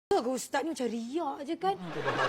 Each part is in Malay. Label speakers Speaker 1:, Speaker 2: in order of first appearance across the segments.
Speaker 1: Ustaz ni macam riak je kan.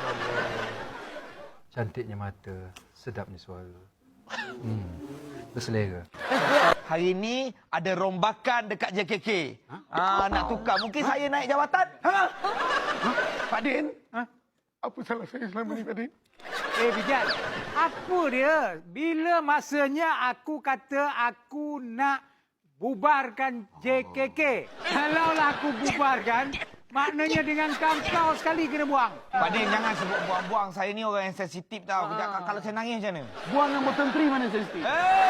Speaker 2: Cantiknya mata, sedapnya suara. Berselera.
Speaker 3: Hari ni ada rombakan dekat JKK. Nak tukar. Mungkin saya naik jawatan.
Speaker 4: Pak Din? Apa salah saya selama ni, Pak Din?
Speaker 5: Bijak, apa dia? Bila masanya aku kata aku nak bubarkan JKK? Kalaulah aku bubarkan, maknanya dengan kau sekali kena buang.
Speaker 3: Pak Din, jangan sebut buang-buang. Saya ni orang yang sensitif tau. Kalau saya nangis macam mana?
Speaker 4: Buang yang menteri mana sensitif?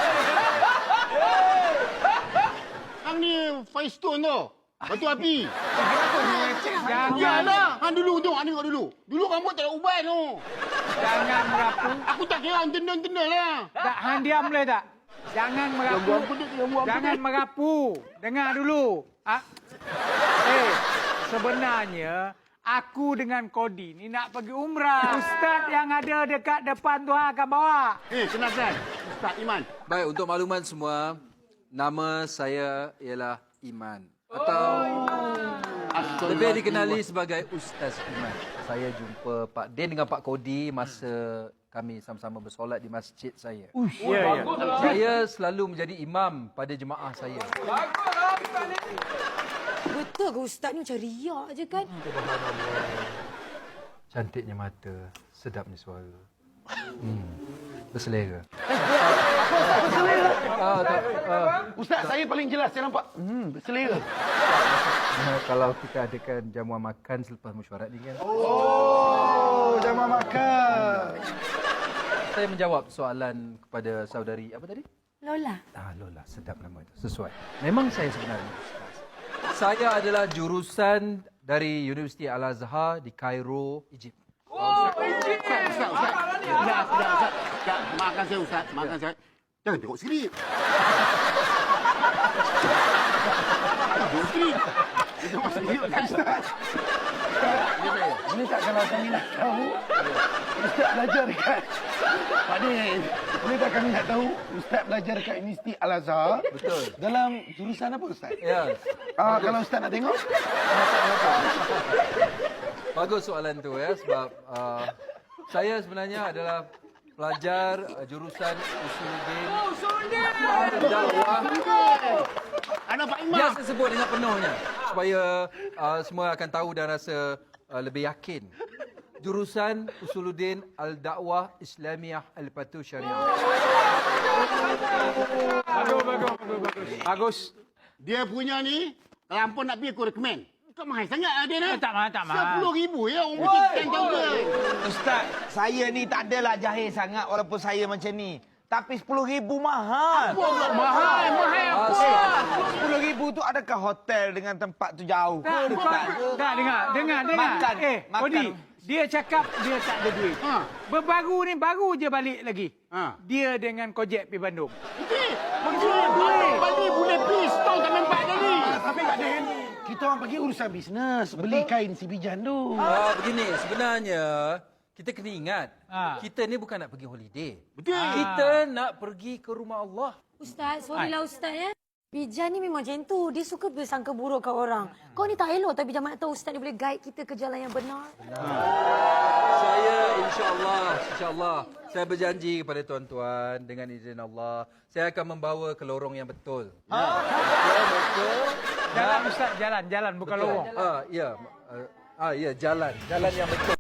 Speaker 4: Hang ni Firestone tu. Batu api. Kenapa ni leceh saya? Janganlah. Hang dulu tu, hang tengok dulu. Dulu rambut tak ada uban tu.
Speaker 5: Jangan merapu.
Speaker 4: Aku tak kira hang tendang-tendang lah.
Speaker 5: Tak, hang diam boleh tak? Jangan merapu. Jangan merapu. Dengar dulu. Sebenarnya aku dengan Kodi ni nak pergi umrah. Ustaz yang ada dekat depan tu akan bawa.
Speaker 4: Kenalkan. Ustaz Iman.
Speaker 6: Baik, untuk makluman semua, nama saya ialah Iman. Atau lebih dikenali sebagai Ustaz Iman. Saya jumpa Pak Din dengan Pak Kodi masa kami sama-sama bersolat di masjid saya. Saya selalu menjadi imam pada jemaah saya.
Speaker 1: Betul ke Ustaz ni macam riak je kan.
Speaker 2: Cantiknya mata, sedapnya suara. Berselera.
Speaker 4: Ustaz, saya paling jelas saya nampak. Berselera.
Speaker 2: Kalau kita adakan jamuan makan selepas mesyuarat ni kan.
Speaker 4: Oh, jamuan makan.
Speaker 2: Saya menjawab soalan kepada saudari apa tadi?
Speaker 1: Lola.
Speaker 2: Lola, sedap nama itu. Sesuai. Memang saya sebenarnya Ustaz. Saya adalah jurusan dari Universiti Al-Azhar di Cairo, Egypt.
Speaker 4: Ustaz. Ustaz. Maafkan saya, Ustaz. Maafkan saya. Jangan tengok skrip. Tengok skrip. Tengok skrip, Ustaz. Boleh tak kalau kami nak tahu? Ustaz belajar dekat... Pak Din, boleh tak kami nak tahu Ustaz belajar dekat Universiti Al-Azhar?
Speaker 6: Betul.
Speaker 4: Dalam jurusan apa, Ustaz?
Speaker 6: Ya.
Speaker 4: Kalau Ustaz nak tengok?
Speaker 6: Bagus soalan tu ya, sebab saya sebenarnya adalah pelajar jurusan Usuluddin Dakwah.
Speaker 4: Anak Pak Imam.
Speaker 6: Biasa sebut dengan penuhnya supaya semua akan tahu dan rasa lebih yakin. Jurusan Usuluddin Al-Dakwah Islamiyah Al-Patu Syariah.
Speaker 5: Bagus.
Speaker 4: Dia punya ni, kalau ampun nak pergi aku recommend. Kau mahal sangat lah dia ni.
Speaker 5: Tak mahal.
Speaker 4: RM10,000 ya, orang kecil tahu dia.
Speaker 3: Ustaz, saya ni tak adalah jahil sangat walaupun saya macam ni. Tapi RM10,000 mahal.
Speaker 4: Mahal apa?
Speaker 3: RM10,000 tu adakah hotel dengan tempat tu jauh?
Speaker 5: Tak, dengar.
Speaker 3: Makan.
Speaker 5: Kodi, dia cakap dia tak ada duit. Baru je balik lagi. Dia dengan Kojek pergi Bandung.
Speaker 4: Balik boleh pistol tak nampak tadi.
Speaker 7: Tapi Pak Din, kita orang pergi urusan bisnes. Beli kain si Bijan tu.
Speaker 6: Begini, sebenarnya kita kena ingat, kita ni bukan nak pergi holiday.
Speaker 4: Betul.
Speaker 6: Kita nak pergi ke rumah Allah.
Speaker 1: Ustaz, sorry lah Ustaz ya. Bijan ni memang macam tu. Dia suka bersangka buruk kat orang. Kau ni tak elok tapi jangan nak tahu Ustaz ni boleh guide kita ke jalan yang benar.
Speaker 6: Saya insyaAllah, saya berjanji kepada tuan-tuan dengan izin Allah, saya akan membawa ke lorong yang betul.
Speaker 5: Jalan Ustaz, jalan bukan lorong.
Speaker 6: Ya, jalan yang betul.